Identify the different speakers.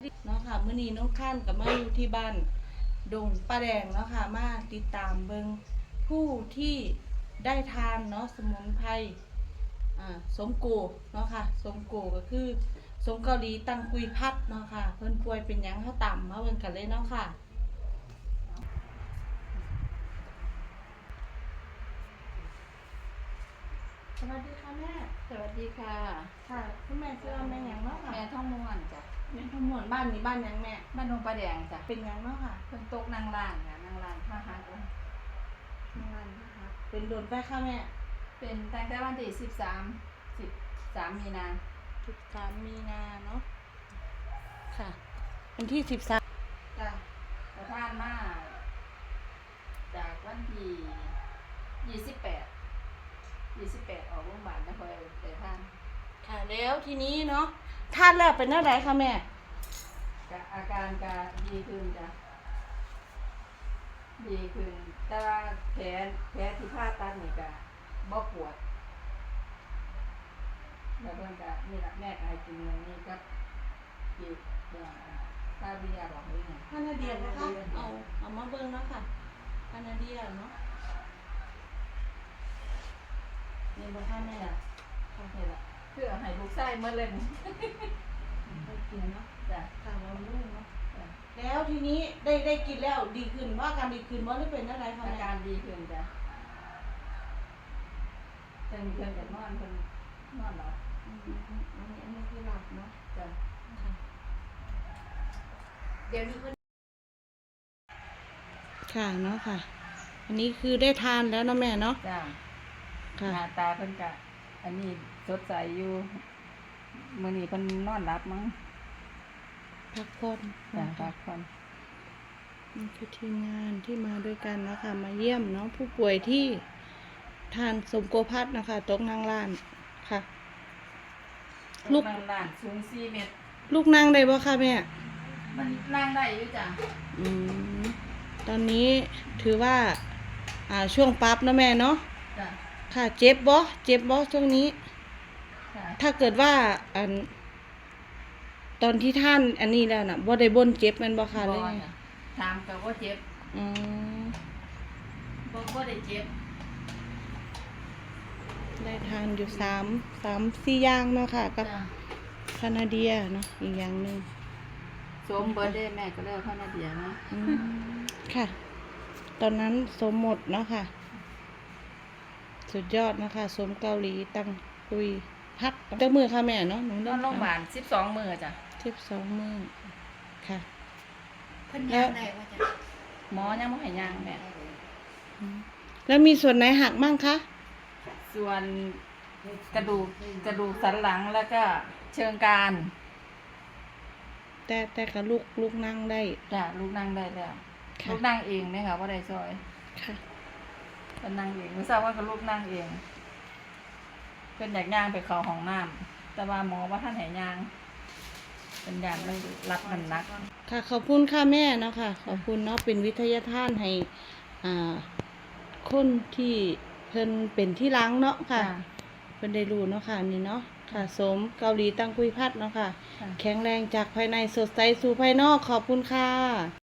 Speaker 1: เนาะค่ะมื้อนี้น้องข้านกับมาอยู่ที่บ้านดงป้าแดงเนาะค่ะมาติดตามเบิงผู้ที่ได้ทานเนาะสมุนไพรสมโกเนาะค่ะสมโกก็คือสมเกาหลีตังกุยพัดเนาะค่ะเพิ่นป่วยเป็นหยังเฮาตามมาเบิ่งกันเลยเนาะค่ะสวัสดีค่ะแม่
Speaker 2: สวัสดีค่ะ
Speaker 1: ค่ะคุณแม่ชื่อว่าแม่หยังเนาะค่ะ
Speaker 2: แม่ท่องม่วนจ้ะ
Speaker 1: แม่ขมวนบ้านนี้บ้านหยังแม่
Speaker 2: บ้านดงประแดงจ้ะ
Speaker 1: เป็นหยังเนาะค่ะ
Speaker 2: เพิ่นตกนางล่างค่ะนางล่างท่าหาดง
Speaker 1: งานนะคะเป็นโดนไปค่ะแม่
Speaker 2: เป็นตั้งแต่วันที่13มีนา
Speaker 1: 13มีนาเนาะค่ะวันที่13จ้ะ
Speaker 2: ประทานมาจากวันที่28ออกโรงพยาบาลแล้วค่อยไปทาน
Speaker 1: ค่ะแล้วทีนี้เนาะทานแล้วเป็นอะไรคะแม่
Speaker 2: อาการก็ดีขึ้นจ้ะดีขึ้นแต่ว่าแผลที่ผ่าตัดนี่ก็บ่ปวดแล้วเพิ่นก็นี่ล่ะแม่ก็ให้กินอย่างนี้กับอีกซาเบียบอกเลยเนี่ย
Speaker 1: พานาเดียนะคะเอามาเบิ่งเนาะค่ะพานาเดียเนาะนี่บ่ค่ะแม่
Speaker 2: นี่ล่ะคือให้ลูกชายหมดเลยนี่
Speaker 1: ไปกินเนาะ
Speaker 2: จ้ะ
Speaker 1: ค่ะบำรุงเนาะแล้วทีนี้ได้กินแล้วดีขึ้นว่าการดีขึ้นว่าหรือเป็นอะไรคะ
Speaker 2: อา
Speaker 1: แม่
Speaker 2: การดีขึ้นจ้ะเพิ่นจะนอนเพิ่นนอนหลับ
Speaker 1: อันนี้คือหลับเนาะ
Speaker 2: จ้ะ
Speaker 1: เดี๋ยวนี้เพิ่นค่ะเนาะค่ะอันนี้คือได้ทานแล้วเนาะแม่เนาะ
Speaker 2: จ้ะ
Speaker 1: ค่ะ
Speaker 2: หน้าตาเพิ่นก็อันนี้สดใสอยู่มื้อนี้เพิ่นนอนหลับมั้ง
Speaker 1: พักผ่อน
Speaker 2: จ้ะพักผ่อน
Speaker 1: นี่คือทีมงานที่มาด้วยกันนะคะมาเยี่ยมเนาะผู้ป่วยที่ทานสมโกพัดนะคะตกนางล้านค่ะ
Speaker 2: ลูกนั่งล่างสูง4 เมตร
Speaker 1: ลูกนั่งได้บ่คะแม่
Speaker 2: มันนั่งได้อยู่จ้ะ
Speaker 1: อืมตอนนี้ถือว่าช่วงปั๊บนะแม่เนาะ
Speaker 2: จ้ะ
Speaker 1: ค่ะเจ็บบ่ช่วงนี้ถ้าเกิดว่าตอนที่ท่านอันนี้แล้วน่ะบ่ได้บ่นเจ็บแม่นบ่คะเลย
Speaker 2: ถามก็บ่เจ็บบ่ได้เจ็บ
Speaker 1: ได้ทานอยู่4 อย่างเนาะค่ะกับคานาเดียเนาะอีกอย่างนึง
Speaker 2: สมเบิร์ดเดย์แม่ก็เลิกเข้านาเดียนะ
Speaker 1: ค่ะตอนนั้นสมหมดเนาะค่ะสุดยอดนะคะสมเกาหลีตังกุยพัดเจ้ามือค่ะแม่เนาะ
Speaker 2: นอนโรงพยาบาล12 มื้อจ้ะ
Speaker 1: 12 มื้อค่ะ
Speaker 2: เพิ่นย่างได้ว่าจ้ะหมอยังบ่ให้ย่างแม่
Speaker 1: แล้วมีส่วนไหนหักมั่งคะ
Speaker 2: ส่วนกระดูกสันหลังแล้วก็เชิงกราน
Speaker 1: แต่กับลูกนั่งได้
Speaker 2: จ้ะลูกนั่งได้แล้วลูกนั่งเองเนี่ยค่ะว่าได้ซอย
Speaker 1: ค่ะ
Speaker 2: เป็นนั่งเองไม่ทราบว่ากับลูกนั่งเองเป็นอยากย่างไปเข้าห้องน้ำแต่ว่าหมอว่าท่านให้ย่างเป็นอย่างไม่รับมันนัก
Speaker 1: ค่ะขอบคุณค่ะแม่เนาะค่ะขอบคุณเนาะเป็นวิทยาทานให้คนที่เพิ่นเป็นที่ล้างเนาะค่ะเพิ่นได้รู้เนาะค่ะนี่เนาะค่ะสมเกาหลีตังกุยพัดเนาะค่ะแข็งแรงจากภายในสดใสสู่ภายนอกขอบคุณค่ะ